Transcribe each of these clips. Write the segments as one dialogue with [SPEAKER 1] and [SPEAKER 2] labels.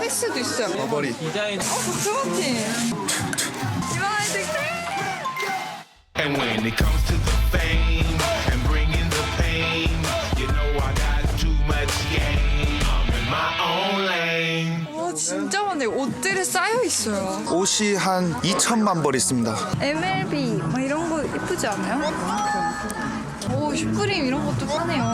[SPEAKER 1] 아페스도 있어요.
[SPEAKER 2] 버버리.
[SPEAKER 3] 디자인.
[SPEAKER 1] 조그맣지? 이만 아이들.
[SPEAKER 4] And when it comes to the fame and bringing the pain, you know I got too much game. I'm in my own lane.
[SPEAKER 1] 와 진짜 많네요. 옷들이 쌓여 있어요.
[SPEAKER 2] 옷이 한 2천만 벌 있습니다.
[SPEAKER 1] MLB 막 이런 거 예쁘지 않아요? 오 슈프림 이런 것도 파네요.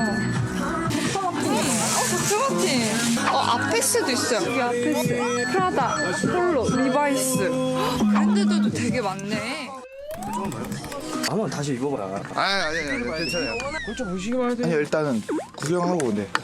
[SPEAKER 1] 조그맣지? 아페스도 있어요. 여기 아페스, 프라다, 폴로, 리바이스. 브랜드들도 되게 많네.
[SPEAKER 3] 한번 다시 입어봐라.
[SPEAKER 2] 아니 괜찮아요.
[SPEAKER 3] 좀 보시기만 해도.
[SPEAKER 2] 아니 일단은 구경하고 네.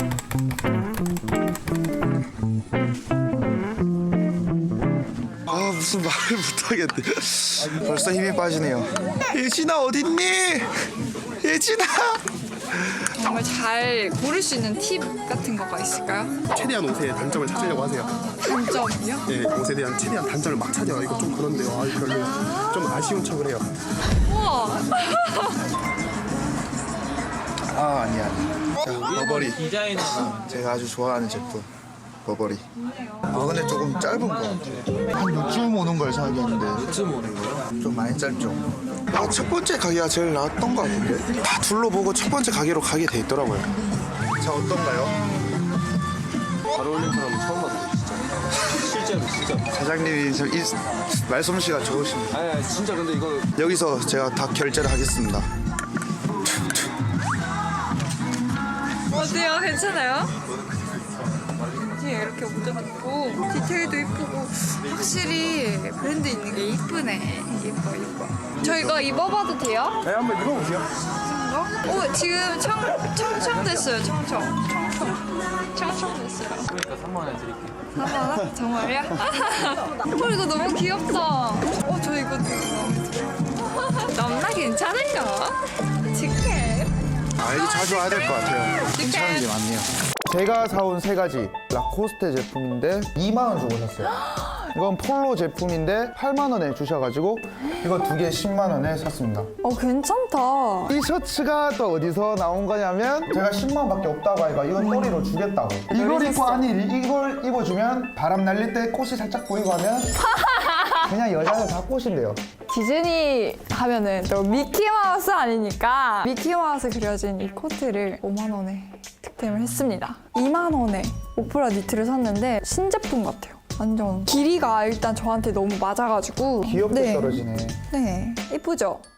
[SPEAKER 2] 아 무슨 말을 못하겠네. 벌써 힘이 빠지네요. 예진아 어딨니? 예진아.
[SPEAKER 1] 정말 잘 고를 수 있는 팁 같은 거가 있을까요?
[SPEAKER 5] 최대한 옷의 단점을 찾으려고 하세요.
[SPEAKER 1] 단점이요?
[SPEAKER 5] 네, 옷에 대한 최대한 단점을 막 찾아요. 이거 좀 그런데요. 아, 별로 좀 아쉬운 척을 해요.
[SPEAKER 1] 우와.
[SPEAKER 2] 아 아니야. 자 버버리.
[SPEAKER 3] 디자인.
[SPEAKER 2] 제가 아주 좋아하는 제품 버버리. 근데 조금 짧은 거 같아요. 한 요쯤 오는 걸 사야겠는데
[SPEAKER 3] 요즘 오는 거요?
[SPEAKER 2] 좀 많이 짧죠. 첫 번째 가게가 제일 나았던 것 같은데 다 둘러보고 첫 번째 가게로 가게 돼 있더라고요. 자 어떤가요?
[SPEAKER 3] 잘 어울리는 사람 처음 봤어요, 진짜. 실제로, 진짜.
[SPEAKER 2] 사장님이 말솜씨가 좋으십니다.
[SPEAKER 3] 아니, 진짜 근데 이거.
[SPEAKER 2] 여기서 제가 다 결제를 하겠습니다.
[SPEAKER 1] 어때요? 괜찮아요? 뒤에 이렇게 모자도 있고 디테일도 이쁘고 확실히 브랜드 있는 게 이쁘네. 예뻐. 저 이거 입어봐도 돼요?
[SPEAKER 5] 네, 한번 입어보세요.
[SPEAKER 1] 오 지금 청청 됐어요. 청청 됐어요.
[SPEAKER 3] 그러니까 3만 원 드릴게요.
[SPEAKER 1] 3만 원? 정말요? 이거 너무 귀엽다. 저 이거 넘나 괜찮을까? 직해.
[SPEAKER 2] 여기 자주 와야 될 것 같아요. 괜찮은 게 많네요. 제가 사온 세 가지 라코스테 제품인데 2만 원 주고 샀어요. 이건 폴로 제품인데 8만 원에 주셔가지고 이거 두 개 10만 원에 샀습니다.
[SPEAKER 6] 괜찮다.
[SPEAKER 2] 이 셔츠가 또 어디서 나온 거냐면 제가 10만 원밖에 없다고 하니까 이건 또리로 주겠다고. 이걸 입고 아니 이걸 입어주면 바람 날릴 때 꽃이 살짝 보이고 하면 그냥 여자는 다 꽃인데요.
[SPEAKER 6] 디즈니 하면은 또 미키마우스 아니니까 미키마우스 그려진 이 코트를 5만 원에 득템을 했습니다. 2만 원에 오프라 니트를 샀는데 신제품 같아요. 완전 길이가 일단 저한테 너무 맞아가지고
[SPEAKER 2] 귀엽게 떨어지네.
[SPEAKER 6] 네, 예쁘죠?